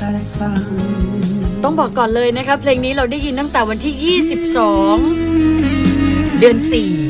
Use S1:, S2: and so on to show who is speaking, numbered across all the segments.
S1: ฟัง
S2: ต้องบอกก่อนเลยนะคะเพลงนี้เราได้ยินตั้งแต่วันที่ 22 เดือน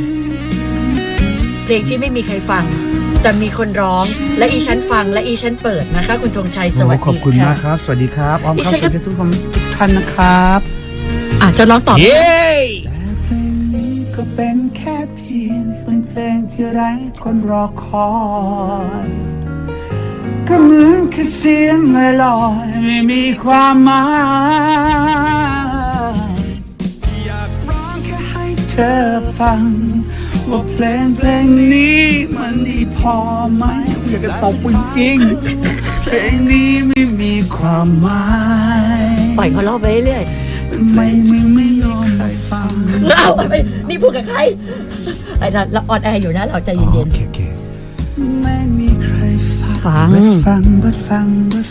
S2: 4 เพลงที่ไม่มีใครฟังแต่มีคนร้องและอีฉันฟังและอีฉันเปิดนะคะคุณธงชัยสวัสดี
S1: ขอบคุณมากครับสวัสดีครับอ้อมครับสวัสดีทุกท่านนะครับ
S2: อาจจะร้องต่อ
S1: เย้แต่เพลงนี้ก็เป็นแค่เพียงเป็นเพลงที่ไร้คนรอคอยก็เหมือนแค่เสียงลอยๆไม่มีความหมายอยากร้องแค่ให้เธอฟังว่าเพลงนี้มันดีพอไหมอยากจะตบจริงๆเพลงนี้ไม่มีความหมาย
S2: ปล่อยเขาร้องไปเรื่อย
S1: ทำไมมึงไม่ยอมฟัง
S2: ๆเอาไปนี่พูดกับใครไอ้นั่นเราออนแอร์อยู่นะเราใจเย็น
S1: ไม่มีใครฟัง
S2: ๆฟัง
S1: ฟัง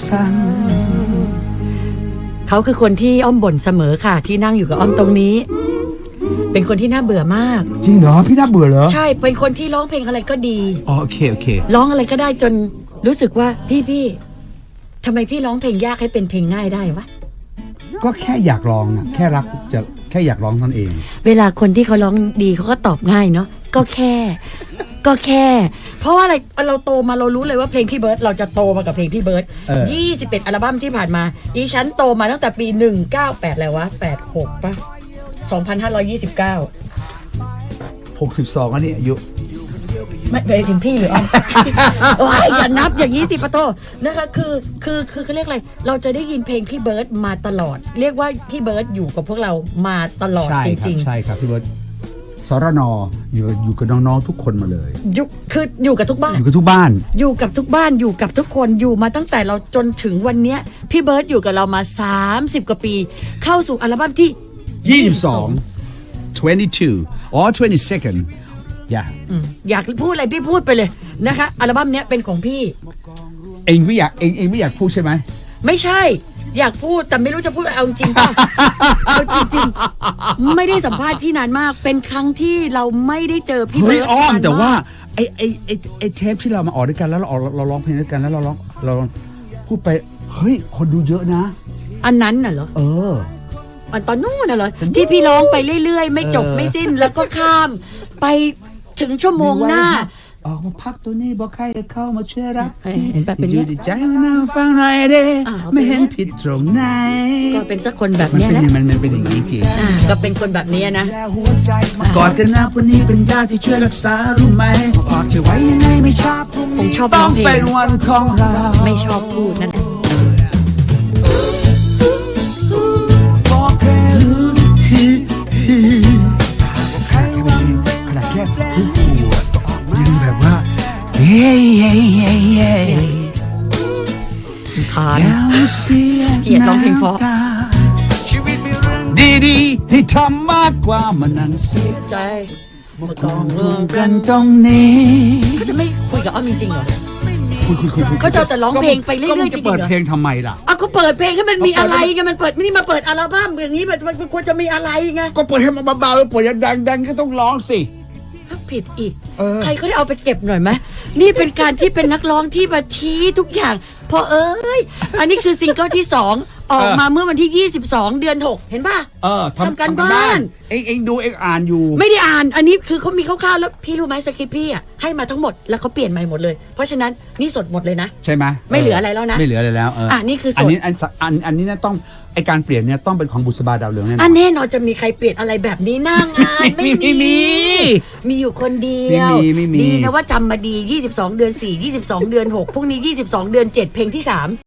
S2: เขาคือคนที่อ้อมบ่นเสมอค่ะที่นั่งอยู่กับอ้อมตรงนี้ เป็นคนที่น่าเบื่อมาก
S1: จริงเหรอพี่น่าเบื่อเหรอ
S2: ใช่เป็นคนที่ร้องเพลงอะไรก็ดี
S1: อ๋อโอเค
S2: ร้องอะไรก็ได้จนรู้สึกว่าพี่ทำไมพี่ร้องเพลงยากให้เป็นเพลงง่ายได้วะ
S1: ก็แค่อยากลองนะแค่รักจะแค่อยากร้องนั่นเอง
S2: เวลาคนที่เขาร้องดีเขาก็ตอบง่ายเนาะก็แค่ เพราะว่าอะไรเราโตมาเรารู้เลยว่าเพลงพี่เบิร์ดเราจะโตมากับเพลงพี่เบิร์ด21อัลบั้มที่ผ่านมาอีฉันโตมาตั้งแต่ปี198แล้ววะ86ป่ะ2529
S1: 62อันนี้อายุ
S2: ไม่ไปถึงพี่หรืออ้อม โอ้ยอย่านับอย่างนี้สิปะโตนะคะคือเขาเรียกอะไรเราจะได้ยินเพลงพี่เบิร์ดมาตลอด เรียกว่าพี่เบิร์ดอยู่กับพวกเรามาตลอด
S1: ใช่
S2: จ
S1: ครับ
S2: ริง
S1: ใช่ครับพี่เบิร์ดสรนอยู่กับน้องๆทุกคนมาเลย
S2: ๆคืออยู่กับทุกบ้าน
S1: อยู่กับทุกบ้าน
S2: อยู่กับทุกบ้านอยู่กับทุกคนอยู่มาตั้งแต่เราจนถึงวันเนี้ยพี่เบิร์ดอยู่กับเรามา30กว่าปี เข้าสู่อัลบั้มที่
S1: 22 22 or 22nd อย่า
S2: อยากพูดอะไรพี่พูดไปเลยนะคะอัลบั้มเนี้ยเป็นของพี่
S1: เองไม่อยากพูดใช่ไหม
S2: ไม่ใช่ อยากพูดแต่ไม่รู้จะพูดเอาจริงป่ะ เอาจริงๆไม่ได้สัมภาษณ์พี่นานมาก เป็นครั้งที่เราไม่ได้เจอพี่
S1: เฮ้
S2: เบิ
S1: ย
S2: ร์ด
S1: อ้อม
S2: นน
S1: แต่ว่าไอ้เทปที่เรามาออกด้วยกันแล้วเราร้องเพลงด้วยกันแล้วเราร้องพูดไปเฮ้ยคนดูเยอะนะ
S2: อันนั้นน่ะเหรอ
S1: เออ
S2: อันตอนนู้นน่ะเหรอที่พี่ร้องไปเรื่อยๆไม่จบไม่สิ้นแล้วก็ข้ามไปถึงชั่วโมงหน้า
S1: ออกมาพักตัวนี้บอกใครจะเข้ามาช่วยรับที
S2: เห็นแบบเป็น
S1: อยู่ดีใจมานั่งฟังหน่อยเด้ไม่เห็นผิดตรงไหน
S2: ก็เป็นสักคนแบบ
S1: มัน
S2: เนี้ย
S1: เป็น
S2: นะ
S1: มันเป็นอย่างนี้จริง
S2: ก็เป็นคนแบบนี้นะ
S1: กอดกันนะวันนี้เป็นยาที่ช่วยรักษารู้ไหมฝากจะไว้ยังไงไม่ชอบ
S2: ผมชอบร้
S1: ต้
S2: อ
S1: อง ง
S2: เพล
S1: เป็น
S2: ง
S1: วันของเรา
S2: ไม่ชอบพูดนั่นเอง
S1: บอกแค่รู้ขนาดแค่พูดยังแบบว่าเย้
S2: คาน
S1: เสีย
S2: เกลียดร้องเพลงเพราะ
S1: ชีวิตมีเรื่องดีๆให้ทำมากกว่ามานั่งเสีย
S2: ใจ
S1: มากองรวมกันตรงนี้
S2: เขาจะไม่คุยกับอ้อมจริงๆเหรอ
S1: คุย
S2: เขาจะแต่ร้องเพลงไปเรื่อยๆ
S1: ก็มันจะเปิด
S2: จริงๆเหรอ
S1: เพลงทำไมล่ะ
S2: อ่ะเขาเปิดเพลงให้มันมีอะไรไงมันเปิดไม่ได้มาเปิดอัลบั้มอย่างนี้มันควรจะมีอะไรไง
S1: ก็เปิดให้มันเบาๆเปิดดังๆก็ต้องร้องสิ
S2: ผิดอีก
S1: เออ
S2: ใครเขาได้เอาไปเก็บหน่อยไหมนี่เป็นการที่เป็นนักร้องที่มาชี้ทุกอย่าง พออันนี้คือซิงเกิลที่2ออกมาเมื่อวันที่ 22 เดือน 6 เห็นป่ะ ทำการบ้าน
S1: เองดูเองอ่านอยู่
S2: ไม่ได้อ่าน อันนี้คือเขามีคร่าวๆแล้วพี่รู้ไหมสคริปต์พี่อ่ะให้มาทั้งหมดแล้วเขาเปลี่ยนใหม่หมดเลย เพราะฉะนั้นนี่สดหมดเลยนะ
S1: ใช่ไหม
S2: ไม่เหลืออะไรแล้วนะ
S1: ไม่เหลืออะไรแล้ว
S2: นี่คือสด
S1: อันนี้นะต้องไอการเปลี่ยนเนี่ยต้องเป็นของบุษบาดาวเหลืองแน่นอน
S2: แน่นอนจะมีใครเปลี่ยนอะไรแบบนี้หน้างานไม่มีอยู่คนเดียว
S1: ไม่มี
S2: ดีนะว่าจำมาดี22 เดือน 4 22 เดือน 6พรุ่งนี้22 เดือน 7 เพลงที่ 3